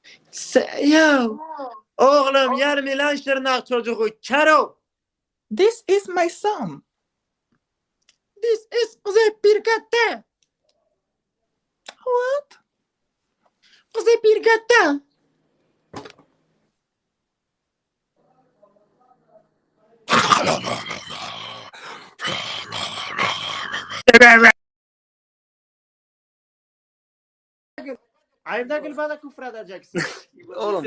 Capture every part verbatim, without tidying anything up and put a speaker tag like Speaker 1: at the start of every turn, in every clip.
Speaker 1: Se- ya oğlum yer mi lan şırnak çocuğu? Kero.
Speaker 2: This is my son.
Speaker 1: This is Kuzey Pirkat'ta.
Speaker 2: What?
Speaker 1: Kuzey Pirkat'ta. Ayda gül bana küfür edeceksin.
Speaker 3: Oğlum.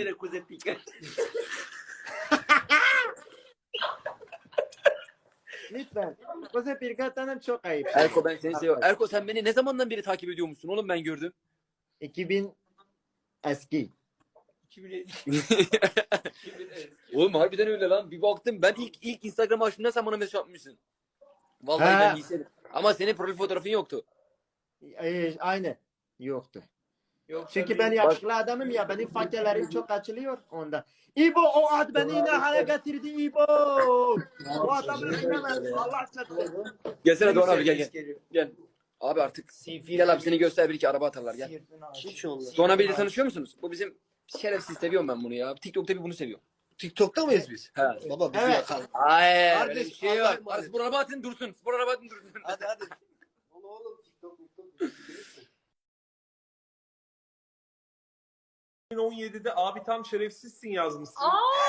Speaker 1: Lütfen. Kuzey Pirkat'tanım çok ayıp.
Speaker 3: Erko ben seni seviyorum. Erko sen beni ne zamandan beri takip ediyormuşsun oğlum ben gördüm.
Speaker 1: iki bin eski.
Speaker 3: Oğlum harbiden öyle lan. Bir baktım ben ilk ilk Instagram açtığımda sen bana mesaj atmışsın. Vallahi
Speaker 1: Ha.
Speaker 3: ben lisedim. Ama senin profil fotoğrafın yoktu.
Speaker 1: Ee, aynı. Yoktu.
Speaker 3: Yok.
Speaker 1: Çünkü ben yakışıklı adamım ya. Benim fakirlerim çok açılıyor onda. İbo o ad beni yine hale getirdi İbo. O adamı bilemez. Allah çarpsın.
Speaker 3: Gelsene Doğan abi gel gel. Gel. Abi artık gel abi seni göster bir iki araba atarlar gel. Doğan abiyle tanışıyor musunuz? Bu bizim şerefsiz seviyorum ben bunu ya. TikTok'ta bir bunu seviyorum.
Speaker 4: TikTok'ta mıyız biz?
Speaker 3: He.
Speaker 4: Baba bizi
Speaker 1: Evet.
Speaker 4: yakalım.
Speaker 3: Hayır.
Speaker 4: Kardeş,
Speaker 3: Öyle bir şey
Speaker 4: Allah'a
Speaker 3: yok.
Speaker 4: emanet.
Speaker 3: Spor araba atın dursun. Spor araba atın dursun.
Speaker 4: Hadi hadi. Oğlum oğlum TikTok TikTok.
Speaker 5: iki bin on yedide abi tam şerefsizsin yazmışsın.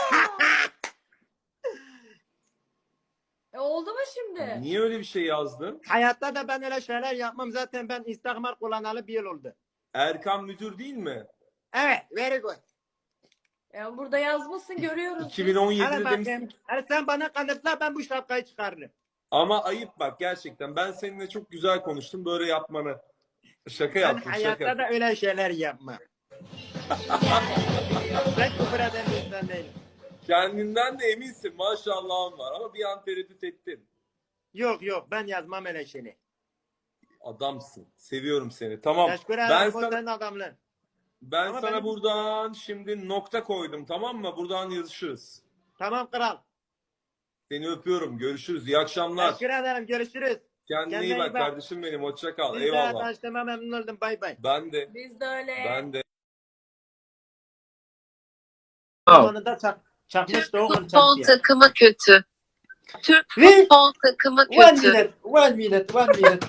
Speaker 6: E, oldu mu şimdi?
Speaker 5: Niye öyle bir şey yazdın?
Speaker 1: Hayatta da ben öyle şeyler yapmam. Zaten ben Instagram kullanalı bir yıl oldu.
Speaker 5: Erkan müdür değil mi?
Speaker 1: Evet. Very good.
Speaker 6: Ya burada yazmışsın görüyoruz. biz.
Speaker 1: Hadi
Speaker 5: iki bin on yedide
Speaker 1: bakayım.
Speaker 5: demişsin ki
Speaker 1: Hadi sen bana kanıtla ben bu şapkayı çıkarırım.
Speaker 5: ama ayıp bak gerçekten ben seninle çok güzel konuştum böyle yapmanı. Şaka
Speaker 1: Ben
Speaker 5: yaptım
Speaker 1: hayatta
Speaker 5: şaka.
Speaker 1: da öyle şeyler yapmam. Ben küfür eden bir insan değilim.
Speaker 5: Kendinden de eminsin maşallahın var ama bir an tereddüt ettin.
Speaker 1: Yok yok ben yazmam öyle şeyini.
Speaker 5: Adamsın. Seviyorum seni. Tamam.
Speaker 1: Teşekkür
Speaker 5: Ben
Speaker 1: ederim. Bu
Speaker 5: sana
Speaker 1: senin adamlığın.
Speaker 5: ben
Speaker 1: Ama
Speaker 5: sana
Speaker 1: benim-
Speaker 5: buradan şimdi nokta koydum tamam mı? Buradan yazışırız.
Speaker 1: Tamam kral.
Speaker 5: Seni öpüyorum. Görüşürüz. İyi akşamlar.
Speaker 1: Teşekkür ederim. Görüşürüz.
Speaker 5: Kendine
Speaker 1: Kendine
Speaker 5: iyi
Speaker 1: iyi
Speaker 5: bak
Speaker 1: bak.
Speaker 5: kardeşim benim. Hoşça kal.
Speaker 1: Biz de
Speaker 5: Eyvallah.
Speaker 1: tanıştığıma memnun oldum. Bay bay.
Speaker 5: Ben de.
Speaker 6: Biz de öyle.
Speaker 5: Ben de.
Speaker 1: Zamanında çak, çakmıştı
Speaker 7: Türk
Speaker 1: oğlum
Speaker 7: futbol
Speaker 1: çak diye.
Speaker 7: takımı kötü. Türk
Speaker 1: Ve-
Speaker 7: futbol takımı
Speaker 1: One
Speaker 7: kötü.
Speaker 1: minute. One minute. One minute.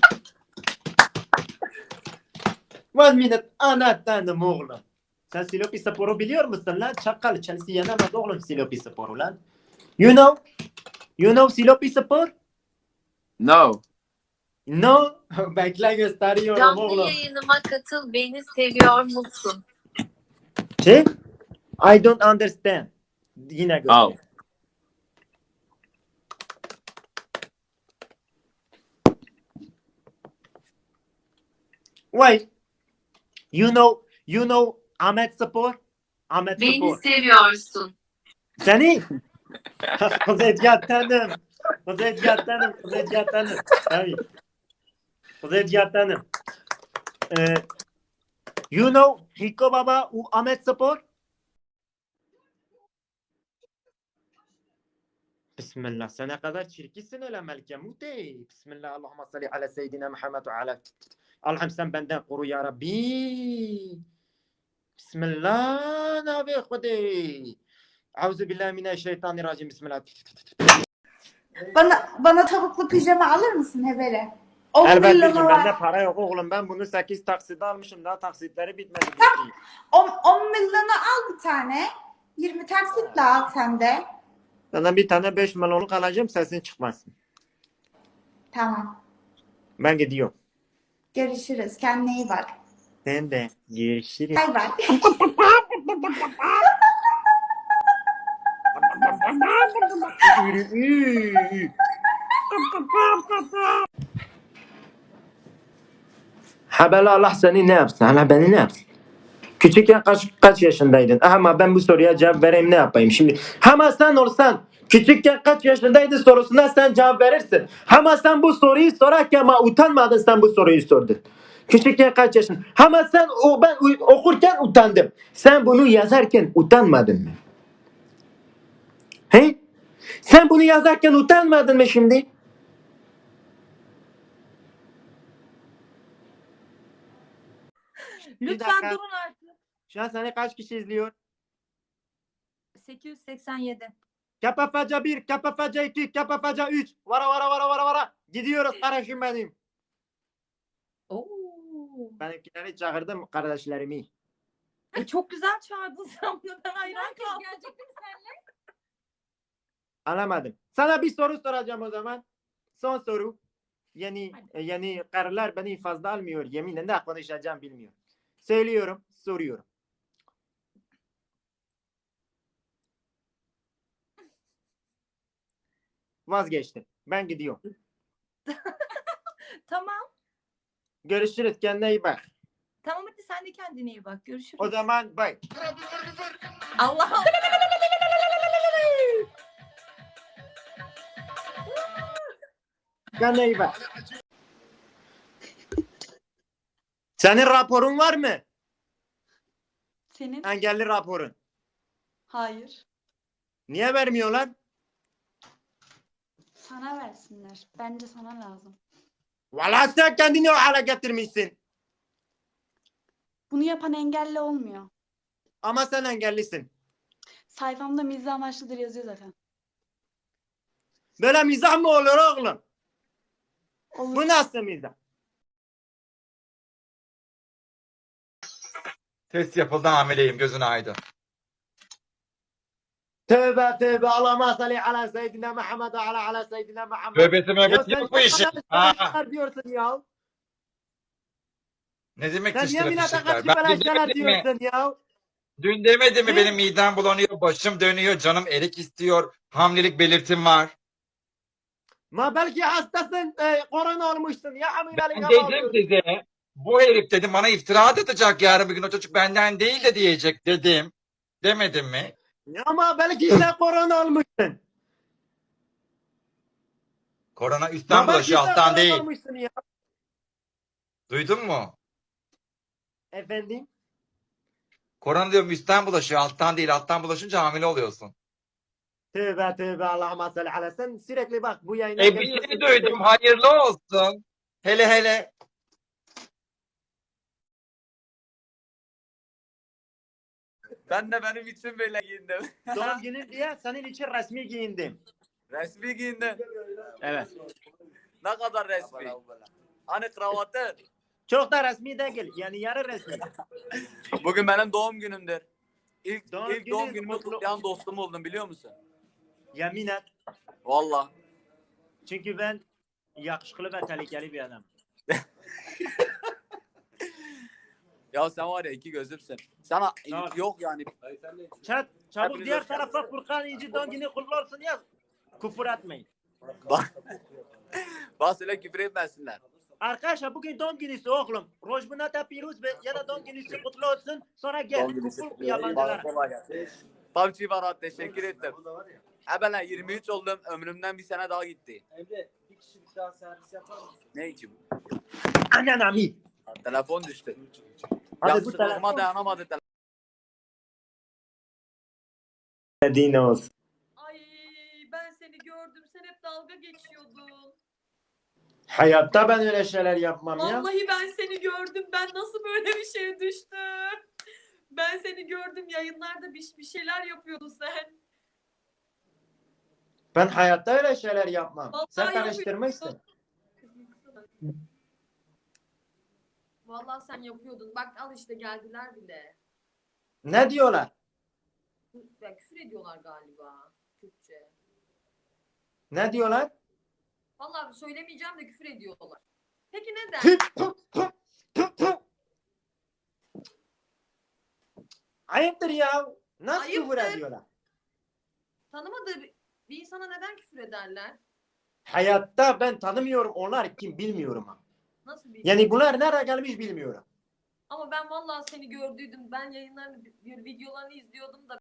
Speaker 1: One minute. Anahtarım oğlum. Sen Silopi Spor'u biliyor musun lan? Çakal. Chelsea yenemez oğlum Silopi Spor'u lan. You know? You know Silopi Spor?
Speaker 8: No.
Speaker 1: No. Bekle gösteriyorum
Speaker 7: Canlı
Speaker 1: oğlum.
Speaker 7: yayınıma katıl, beni seviyor musun?
Speaker 1: Şey? I don't understand. Yine göster.
Speaker 8: Oh.
Speaker 1: Why? You know, you know Ahmet Spor? Ahmet
Speaker 7: Beni
Speaker 1: Spor.
Speaker 7: seviyorsun.
Speaker 1: Seni? Kuzey Cihat'tanım. Kuzey Cihat'tanım. Kuzey Cihat'tanım. Tabii. Kuzey Cihat'tanım. Ee, you know Hiko Baba u Ahmet Spor? Bismillah. Sen ne kadar çirkinsin öyle Melike Muti. Bismillah. Allahümme salli ala seyyidina Muhammed ve ala. Allah'ım sen benden koru ya Rabbi. Bismillah. Nabi Kudey. Auzu billahi mineşşeytanirracim. Bismillah.
Speaker 9: Bana bana tavuklu pijama alır mısın Hebele? on
Speaker 1: Elbette
Speaker 9: milyonu
Speaker 1: ki
Speaker 9: var.
Speaker 1: bende para yok oğlum. Ben bunu sekiz taksitle almışım. Daha taksitleri bitmedi.
Speaker 9: on, on milyonu al bir tane. yirmi taksitle al sen de.
Speaker 1: Sana bir tane beş milyonluk alacağım. Sesin çıkmasın.
Speaker 9: Tamam.
Speaker 1: Ben gidiyorum.
Speaker 9: Görüşürüz. Kendine iyi bak.
Speaker 1: Sen de. Görüşürüz.
Speaker 9: Bay bay.
Speaker 1: Habeli Allah seni ne yapsın? Allah beni ne yapsın? Küçükken kaç, kaç yaşındaydın? Ama ben bu soruya cevap vereyim ne yapayım şimdi? Ama sen olsan küçükken kaç yaşındaydın sorusuna sen cevap verirsin. Ama sen bu soruyu sorarken ama utanmadın sen bu soruyu sordun. Küçükken kaç yaşın? Ama sen o ben okurken utandım. Sen bunu yazarken utanmadın mı? He? Sen bunu yazarken utanmadın mı şimdi?
Speaker 6: Lütfen
Speaker 1: dakika.
Speaker 6: durun artık.
Speaker 1: Şu an seni kaç kişi izliyor?
Speaker 9: sekiz yüz seksen yedi.
Speaker 1: Kapafaca bir, kapafaca iki, kapafaca üç. Vara vara vara vara vara. Gidiyoruz kardeşim benim.
Speaker 9: Oo.
Speaker 1: Benimkileri çağırdım kardeşlerimi.
Speaker 9: E, çok güzel çağırdın sen bunu. Ben hayran
Speaker 6: Herkes
Speaker 9: kaldım.
Speaker 6: gelecekti mi seninle?
Speaker 1: Anlamadım. Sana bir soru soracağım o zaman. Son soru. Yani
Speaker 9: Hadi.
Speaker 1: e, yani karılar beni fazla almıyor. Yeminle ne konuşacağım bilmiyorum. Söylüyorum, soruyorum. Vazgeçtim. Ben gidiyorum.
Speaker 9: Tamam.
Speaker 1: Görüşürüz. Kendine iyi bak.
Speaker 9: Tamam hadi sen de kendine iyi bak. Görüşürüz.
Speaker 1: O zaman bye.
Speaker 9: Allah Allah.
Speaker 1: Kendine iyi bak. Senin raporun var mı?
Speaker 10: Senin?
Speaker 1: Engelli raporun.
Speaker 10: Hayır.
Speaker 1: Niye vermiyorlar?
Speaker 10: Sana versinler. Bence sana lazım.
Speaker 1: Vallahi sen kendini o hale getirmişsin.
Speaker 10: Bunu yapan engelli olmuyor.
Speaker 1: Ama sen engellisin.
Speaker 10: Sayfamda mizah amaçlıdır yazıyor zaten.
Speaker 1: Böyle mizah mı olur oğlum?
Speaker 10: Olur.
Speaker 1: Bu nasıl mizah?
Speaker 11: Test yapıldı, hamileyim, gözün aydın.
Speaker 1: Tövbe tövbe. Allahümme salli ala seyyidina Muhammed ve ala ala seyyidina Muhammed.
Speaker 11: Tövbesi
Speaker 1: Ya
Speaker 11: mevbeti
Speaker 1: sen
Speaker 11: yok bu işin.
Speaker 1: bana
Speaker 11: Ha.
Speaker 1: şeyler diyorsun ya.
Speaker 11: Ne demek
Speaker 1: Sen
Speaker 11: dişlere
Speaker 1: yemin ederim
Speaker 11: fişekler?
Speaker 1: kaç
Speaker 11: Ben
Speaker 1: böyle
Speaker 11: dün
Speaker 1: şeyler
Speaker 11: demedim mi?
Speaker 1: diyorsun ya.
Speaker 11: Dün demedim mi
Speaker 1: Ne?
Speaker 11: benim midem bulanıyor, başım dönüyor, canım erik istiyor, hamilelik belirtim var.
Speaker 1: Ma belki hastasın, e, korona olmuşsun ya hamilelik
Speaker 11: Ben
Speaker 1: hava
Speaker 11: dedim
Speaker 1: alıyorsun.
Speaker 11: size, bu herif dedim bana iftira atacak yarın bir gün, o çocuk benden değil de diyecek dedim. Demedim mi?
Speaker 1: Ya ama belki sen korona olmuşsun.
Speaker 11: Korona üstten
Speaker 1: Ma belki
Speaker 11: bulaşıyor,
Speaker 1: sen
Speaker 11: alttan
Speaker 1: korona
Speaker 11: değil.
Speaker 1: olmuşsun ya.
Speaker 11: Duydun mu?
Speaker 1: Efendim?
Speaker 11: Korona diyorum üstten bulaşıyor, alttan değil. Alttan bulaşınca hamile oluyorsun.
Speaker 1: Tövbe tövbe Allahümme salli ala. Sen sürekli bak bu yayına
Speaker 11: E bir
Speaker 1: geliyorsun.
Speaker 11: şey duydum, hayırlı olsun. Hele hele.
Speaker 3: Ben de benim için böyle giyindim.
Speaker 1: Doğum günün diye senin için resmi giyindim.
Speaker 3: Resmi giyindim.
Speaker 1: Evet.
Speaker 3: Ne kadar resmi. Hani kravatı.
Speaker 1: Çok da resmi değil. Yani yarı resmi.
Speaker 3: Bugün benim doğum günümdür. İlk,
Speaker 1: Doğum
Speaker 3: ilk
Speaker 1: günün
Speaker 3: doğum günümü
Speaker 1: kutlu-
Speaker 3: kutlayan dostum oldum biliyor musun?
Speaker 1: Yemin et.
Speaker 3: Valla.
Speaker 1: Çünkü ben yakışıklı ve tehlikeli bir adam.
Speaker 3: Ya sen var ya iki gözümsün. Sana
Speaker 1: Tamam.
Speaker 3: yok yani.
Speaker 1: Çat, çabuk
Speaker 3: Hepiniz
Speaker 1: diğer
Speaker 3: hoş geldiniz.
Speaker 1: tarafa Furkan İnci doğum günü kutlu olsun yaz. Küfür etmeyin.
Speaker 3: Bak. Bak söyle küfür etmesinler.
Speaker 1: Arkadaşlar bugün doğum günüsü oğlum. Rojbunata Piruz ve ya da doğum günüsü kutlu olsun. Sonra gel küfür yabancılara.
Speaker 3: Pavçı Barat teşekkür ettim. Ha ben yirmi üç oldum. Ömrümden bir sene daha gitti.
Speaker 4: Emre bir kişilik daha servis yapar mısın?
Speaker 3: Ne için?
Speaker 1: Annen ami.
Speaker 3: Telefon düştü.
Speaker 1: Hadi bu
Speaker 3: Yakışıklılığıma
Speaker 1: telefon
Speaker 3: dayanamadı telefon.
Speaker 1: dediğin olsun.
Speaker 6: Ay ben seni gördüm. Sen hep dalga geçiyordun.
Speaker 1: Hayatta ben öyle şeyler yapmam ya.
Speaker 6: Vallahi ben seni gördüm. Ben nasıl böyle bir şeye düştüm? Ben seni gördüm. Yayınlarda bir, bir şeyler yapıyordun sen.
Speaker 1: Ben hayatta öyle şeyler yapmam.
Speaker 6: Vallahi
Speaker 1: Sen
Speaker 6: yapıyorsun.
Speaker 1: karıştırmışsın.
Speaker 6: Vallahi sen yapıyordun. Bak al işte geldiler bile.
Speaker 1: Ne diyorlar?
Speaker 6: Ya, küfür ediyorlar galiba. Türkçe.
Speaker 1: Ne diyorlar?
Speaker 6: Vallahi söylemeyeceğim de küfür ediyorlar. Peki neden?
Speaker 1: Tüp, tüp, tüp, tüp, tüp. Ayıptır ya. Nasıl küfür
Speaker 6: Ayıptır.
Speaker 1: ediyorlar?
Speaker 6: Tanımadığı bir, bir insana neden küfür ederler?
Speaker 1: Hayatta ben tanımıyorum. Onlar kim bilmiyorum. ha.
Speaker 6: Nasıl bir
Speaker 1: Yani bunlar nereye gelmiş bilmiyorum.
Speaker 6: Ama ben vallahi seni gördüydüm. Ben yayınlarını, videolarını izliyordum da